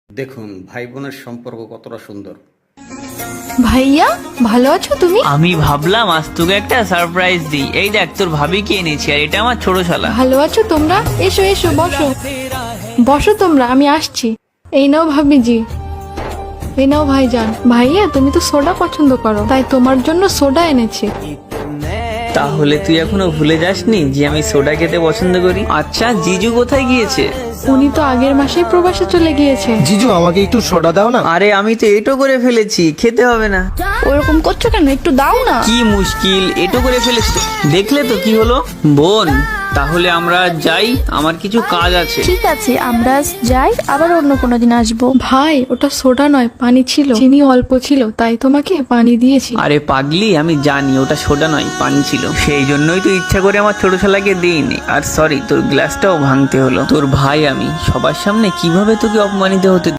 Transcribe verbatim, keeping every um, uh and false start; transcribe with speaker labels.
Speaker 1: দেখুন ভাই বোনের সম্পর্ক কতটা সুন্দর।
Speaker 2: ভাইয়া ভালো আছো তুমি?
Speaker 3: আমি ভাবলাম আজ তোকে একটা সারপ্রাইজ দিই। এই দেখ তোর ভাবিকে এনেছি, আর এটা আমার ছোট শালা।
Speaker 2: ভালো আছো তোমরা? এসো এসো বসো বসো তোমরা, আমি আসছি। এই নাও ভাবিজি, এই নাও ভাইজান। ভাইয়া তুমি তো সোডা পছন্দ করো, তাই তোমার জন্য সোডা এনেছি।
Speaker 3: তাহলে তুই এখনো ভুলে যাসনি যে আমি সোডা খেতে পছন্দ করি? আচ্ছা জিজু কোথায় গিয়েছে?
Speaker 2: উনি তো আগের মাসেই প্রবাসে চলে গিয়েছে।
Speaker 4: জিজু আমাকে একটু সোডা দাও না।
Speaker 3: আরে আমি তো এটো করে ফেলেছি, খেতে হবে না।
Speaker 2: ওরকম করছো কেন? একটু দাও না।
Speaker 3: কি মুশকিল, এটো করে ফেলেছি তো। দেখলে তো কি হলো। বোন তাহলে আমরা যাই, আমার কিছু কাজ আছে।
Speaker 5: ঠিক আছে, আমরা আজ যাই, আবার অন্য কোনো দিন আসবো।
Speaker 2: ভাই ওটা সোডা নয়, পানি ছিল, চিনি অল্প ছিল, তাই তোমাকে পানি দিয়েছি।
Speaker 3: আরে পাগলি, আমি জানি ওটা সোডা নয়, পানি ছিল। সেই জন্যই তো ইচ্ছা করে আমার ছোট শালাকে দিইনি। আর সরি, তোর গ্লাসটাও ভাঙতে হলো। তোর ভাই আমি, সবার সামনে কিভাবে তোকে অপমানিত হতে